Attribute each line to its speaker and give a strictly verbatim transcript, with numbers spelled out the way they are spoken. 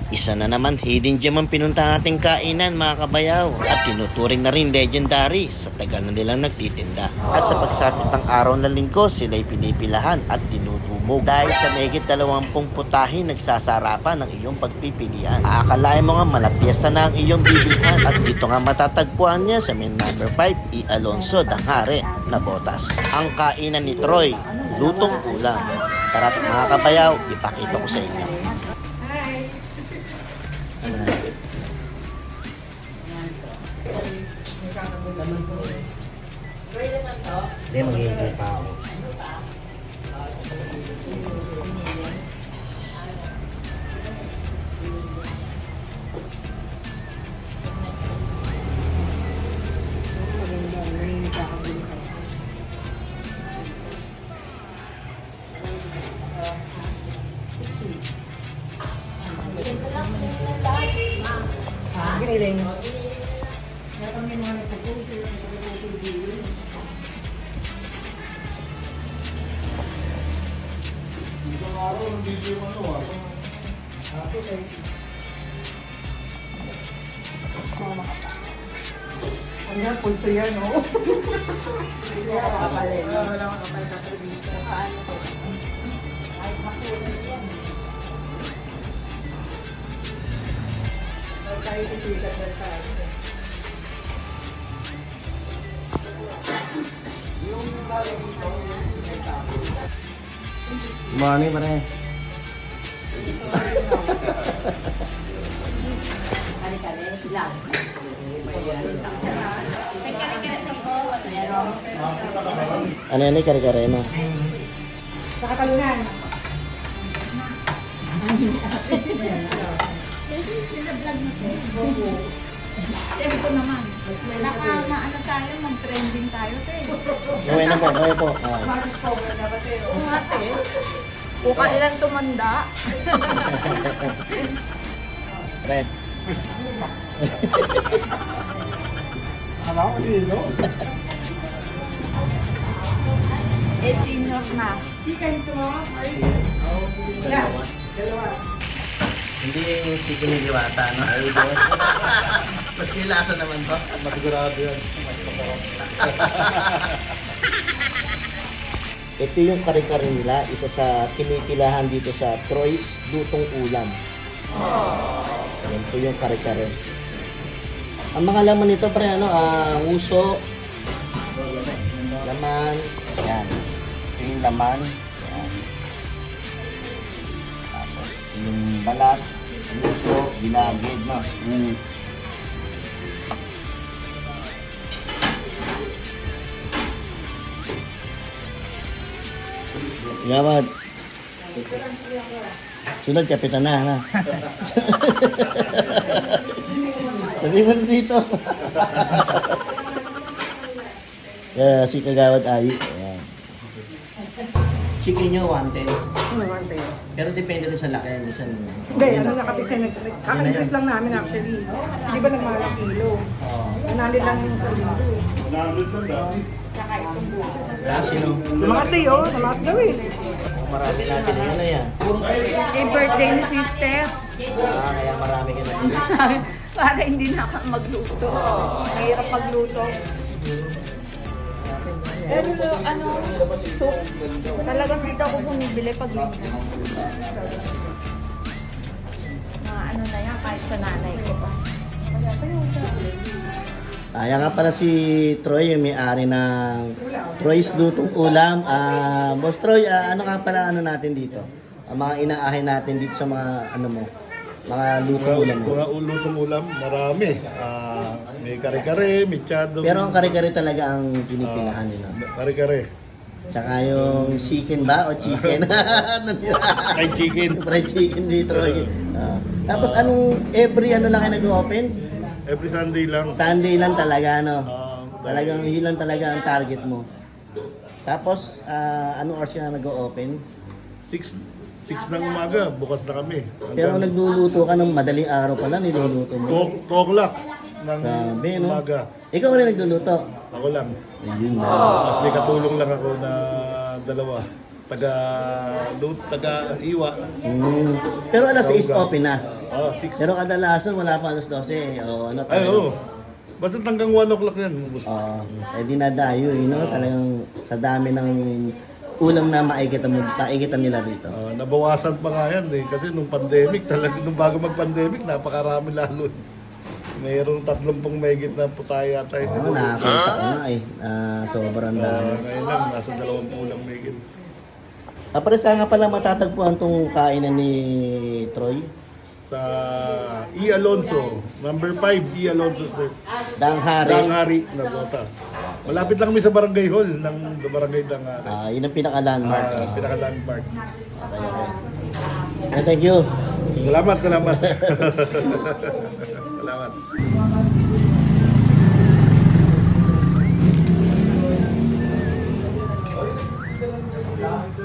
Speaker 1: Isa na naman hidden gem ang pinunta nating kainan mga kabayaw at tinuturing na rin legendary sa tagal na nilang nagtitinda. At sa pagsapit ng araw ng linggo, sila'y pinipilahan at dinudumog. Dahil sa mahigit dalawampung putahin nagsasarapan ng iyong pagpipilian. Aakalain mo nga malapyesta na ang iyong bibilhan at dito nga matatagpuan niya sa main number five, E. Alonso Danghare na Botas. Ang kainan ni Troy, lutong ulam. Tara't mga kabayaw, ipakita ko sa inyo. Hindi, maghihintay pa ako.
Speaker 2: Giniling. Ang yan, pulso yan, no? Wala ka kapalin. Wala ka kapalin. Paano ko? Ay, makulin yan. Huwag tayo tisikat na sa akin.
Speaker 1: Money pa rin. Ano yan eh, kare-kare no?
Speaker 2: Sa katalunan.
Speaker 3: Tempo naman. Naka, ano tayo, mag-trending tayo, te.
Speaker 1: Gawin na po, gawin po. Ah.
Speaker 2: Maris po, dapat eh.
Speaker 3: Oo nga, te. Kung kailan tumanda.
Speaker 1: Red.
Speaker 2: Ano ako sino?
Speaker 3: Eh, senior na.
Speaker 2: Hindi kayo sa mga ay. Yeah, dalawa.
Speaker 1: Hindi yung si Kiniliwata, no? Mas kilasa naman to.
Speaker 4: Masigurado yan.
Speaker 1: Ito yung kare-kare nila, isa sa pinipilahan dito sa Troy's Lutong Ulam. Yan po yung kare-kare. Ang mga laman nito pre, ano, ah, uso, laman, yan. Ito yung laman, yan. Tapos yung balat, uso, ginagid, no? Mm. Gawad. Sunod, kapitan na, ha? Sabi mo dito. Kaya si Kagawad Ayi. Ayan. Chicken nyo, one ten.
Speaker 2: Ano naman tayo?
Speaker 1: Pero depende rin sa laki. Minsan,
Speaker 2: Hindi, ano nakapisa, kaka-increase lang namin actually. Kasi di ba nagmahalang kilo? Nanali lang yung sa linggo eh. Tsaka itong buto.
Speaker 1: kasi no,
Speaker 2: Mga sayo, namaas daw eh.
Speaker 1: marami natin yun na yan.
Speaker 3: Eh, birthday ni sister.
Speaker 1: Ah, kaya marami ka na.
Speaker 3: Para hindi na ka magluto. Mahirap magluto. Pero ano, soup. Talagang dito ako bumibili pag yun. Mga ano na yan, kahit sa nanay ko pa.
Speaker 1: Kaya nga pala si Troy, yung may-ari ng Troy's Lutong Ulam. Ah, Boss Troy, ah, ano nga pala ano natin dito? Ang mga inaahin natin dito sa mga ano mo, mga lutong ulam mo.
Speaker 4: Mga ulutong ulam, marami. Ah, may kare-kare, may chado.
Speaker 1: Pero ang kare-kare talaga ang pinipilahan nila.
Speaker 4: Kare-kare.
Speaker 1: Tsaka yung chicken ba o chicken? Ano nila?
Speaker 4: Fried chicken.
Speaker 1: Fried chicken dito. Troy. Ah, tapos anong every ano lang kayo nag-open?
Speaker 4: Every Sunday lang.
Speaker 1: Sunday lang talaga, no?
Speaker 4: Ah,
Speaker 1: Talagang yun lang talaga ang target mo. Tapos, ah, anong hours ka na nag-open?
Speaker 4: six six ng umaga, bukas na kami.
Speaker 1: Pero nagluluto ka ng madaling araw pala, niluluto mo.
Speaker 4: two o'clock ng
Speaker 1: Grabe, no?
Speaker 4: umaga.
Speaker 1: Ikaw rin nagluluto.
Speaker 4: Ako lang.
Speaker 1: Ayun na.
Speaker 4: At may katulong lang ako na dalawa. taga, doon, taga Iwa.
Speaker 1: Mm. Pero alas sais open na.
Speaker 4: Oh, six.
Speaker 1: Pero kadalasan wala pa alas dose. O ano
Speaker 4: Ay,
Speaker 1: talaga.
Speaker 4: oo. Basta hanggang one o'clock yan. ubos.
Speaker 1: Oo. Eh dinadayo, you know, talagang sa dami ng ulam na maigitan, mo, maigitan nila dito.
Speaker 4: Ah, nabawasan pa nga yan eh. Kasi nung pandemic, talaga, nung bago mag-pandemic, napakarami lalo. Mayroong tatlong pong megit na putaya tayo.
Speaker 1: Oo, nakakita ko nga eh. Ah, sobrang
Speaker 4: Ah,
Speaker 1: dami.
Speaker 4: ngayon lang, nasa dalawang pulang megit.
Speaker 1: Ah, pare saan nga pala matatagpuan tong kainan ni Troy?
Speaker 4: Sa E. Alonso, number five, E. Alonso Street.
Speaker 1: Danghari.
Speaker 4: Danghari na bota. Malapit lang kami sa barangay hall ng barangay Danghari.
Speaker 1: Ah, yun ang pinaka-landmark.
Speaker 4: Ah,
Speaker 1: Ah,
Speaker 4: pinaka-landmark.
Speaker 1: okay, okay. Eh, thank you.
Speaker 4: Salamat, salamat. salamat.